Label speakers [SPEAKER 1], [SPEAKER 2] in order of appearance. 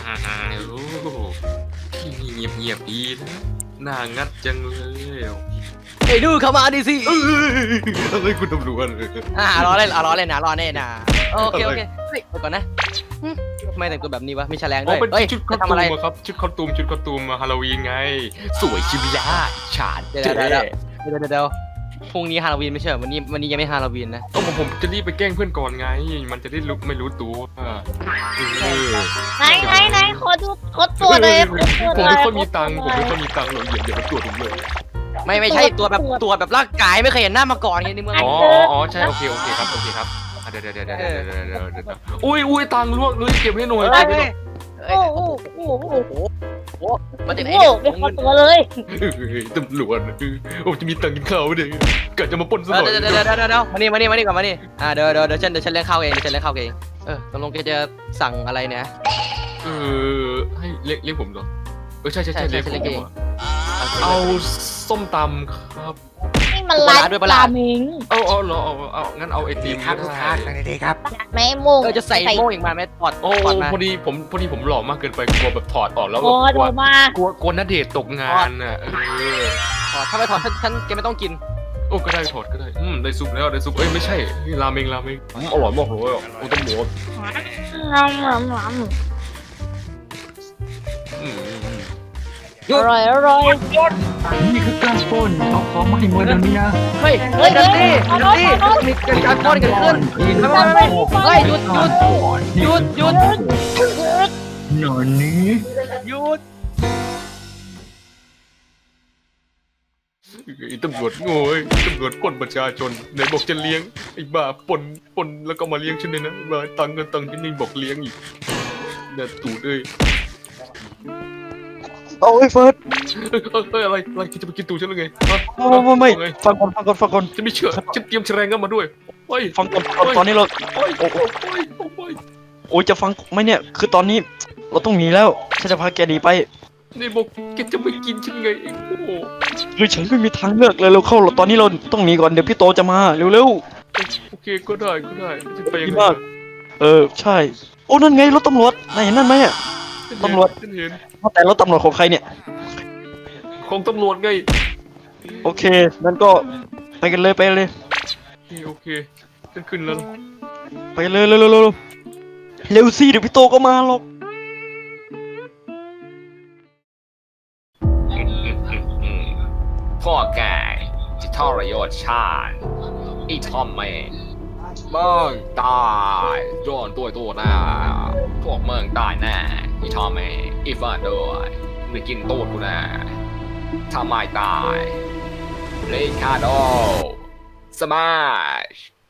[SPEAKER 1] โอ้ที่นี่เงียบๆดีนะน่างัดจังเลย
[SPEAKER 2] ไอ้ดูเข้ามาดิสิ
[SPEAKER 1] อะไรคุณตำรวจ
[SPEAKER 2] ล้อเล่นล้อเล่นนะล้อเล่นนะโอเคเฮ้ยก่อนนะทำไมแต่งตัวแบบนี้วะมีแฉลงด้วย
[SPEAKER 1] เป็น
[SPEAKER 2] เฮ้ย
[SPEAKER 1] ชุดคอส
[SPEAKER 2] ทำ
[SPEAKER 1] ตู
[SPEAKER 2] อะไร
[SPEAKER 1] มครับชุดคอสตูมฮาโลวีนไง สวยชิบยาฉาด
[SPEAKER 2] เดี๋ยว
[SPEAKER 1] เจ๊
[SPEAKER 2] เดี๋ยวพรุ่งนี้ฮาโลวีนไม่ใช่วันนี้ยังไม่ฮาโลวีนนะ
[SPEAKER 1] ก็ผมจะรีบไปแกล้งเพื่อนก่อนไง มันจะได้ลุกไม่รู้ตัว
[SPEAKER 3] ไหนขอดูขอตัวเลย
[SPEAKER 1] ผมไม่ค่อยมีตังค์หรอกเดี๋ยวมันตรวจผมเลย
[SPEAKER 2] ไม่ใช่ตัวแบบร่างกายไม่เคยเห็นหน้ามาก่อนไงในเมือง
[SPEAKER 1] อ๋อใช่โอเคครับเดี๋ยวอุ้ยตังค์ล่วงเลยเก็บให้หน่อย
[SPEAKER 3] โอ้โห
[SPEAKER 2] มาจากไหน
[SPEAKER 3] โอ้ไม่ขอตัวเลย
[SPEAKER 1] ตำรวจโอ้จะมีตังค์กินข้าวเดี๋ยวกะจะมาปล้นซะหน่อย
[SPEAKER 2] เดี๋ยวมานี่ก่อนมานี่เดี๋ยวฉันเลี้ยงข้าวเองตกลงแกจะสั่งอะไรเนี่ย
[SPEAKER 1] ให้เรียกผมเหรอใช่เรียกผม
[SPEAKER 2] เอง
[SPEAKER 1] เอาส้มตำครับ
[SPEAKER 3] นี่มันร้านราเมง
[SPEAKER 1] เอาเหรอเอางั้นเอาไอติม
[SPEAKER 4] ครับทุกท่านสวัสดีครับ
[SPEAKER 3] แม่โมง
[SPEAKER 2] จะใส่โม่อีกมาไหมถอด
[SPEAKER 1] โอ้
[SPEAKER 2] มา
[SPEAKER 1] พอดีผมหล่อมากเกินไปกลัวแบบถอดออกแล้ว
[SPEAKER 3] โอ้โดมาก
[SPEAKER 1] ลัวณเดชน์ตกงานอ่ะ
[SPEAKER 2] ถอดถ้าไม่ถอดฉันแกไม่ต้องกิน
[SPEAKER 1] โอ้ก็ได้ถอดก็ได้ได้ซุปแล้วได้ซุปไม่ใช่ราเมงอร่อยมากเลยโอ้ต้องหมู
[SPEAKER 3] อร่อย
[SPEAKER 4] นี่คือการปล้นเอาของมาให้หมดเดี๋ยวนี้นะ
[SPEAKER 2] เฮ้ยดันดี้มีการป้อนกันขึ้นเฮ้ยหยุด
[SPEAKER 4] หนอนนี้
[SPEAKER 2] หยุด
[SPEAKER 1] ตำรวจโง่ตำรวจปล้นประชาชนไหนบอกจะเลี้ยงไอ้บ้าปล้นแล้วก็มาเลี้ยงฉันเลยนะบ้าตังค์ที่นี่บอกเลี้ยงอีกน่าตูดเลย
[SPEAKER 4] โอ้ยเฟิร์ส
[SPEAKER 1] อะไรจะไปกินตูฉันหรือไง
[SPEAKER 4] ไม่ฟังก่อน
[SPEAKER 1] จะไม่เชื่อฉันเตรียมแฉลงมาด้วยเฮ้ย
[SPEAKER 4] ฟังก่อนตอนนี้เราโอ้ยจะฟังไหมเนี่ยคือตอนนี้เราต้องหนีแล้วฉันจะพาแกหนีไป
[SPEAKER 1] นี่บอกแกจะไม่กินฉันไงโอ้โห
[SPEAKER 4] คือฉันไม่มีทางเลือกเลยเราเข้าตอนนี้เราต้องหนีก่อนเดี๋ยวพี่โตจะมาเร็ว
[SPEAKER 1] โอเคก็ได้จะไป
[SPEAKER 4] ๆ
[SPEAKER 1] ยัง
[SPEAKER 4] ดี
[SPEAKER 1] ไง
[SPEAKER 4] มากใช่โอ้นั่นไงรถตำรวจนายเห็นนั่นไหมอ่ะ ตำรวจ
[SPEAKER 1] ฉันเห็น
[SPEAKER 4] แต่รถตำรวจของใครเนี่ย
[SPEAKER 1] ของตำรวจไง
[SPEAKER 4] โอเคนั่นก็ไปกันเลย
[SPEAKER 1] โอเคฉันขึ้นแล้ว
[SPEAKER 4] ไปเลยเร็วสิเดี๋ยวพี่โตก็มาหรอก
[SPEAKER 1] พ่อแกจะทรยศชาติไอ้ทอมแม่เมืองตายโดนตัวหน้าพวกเมืองตายแน่ไอ้ทอมแม่ไอ้ฟาดด้วยมึงกินตัวกูแน่ทำไมตายเลคาโดสมาช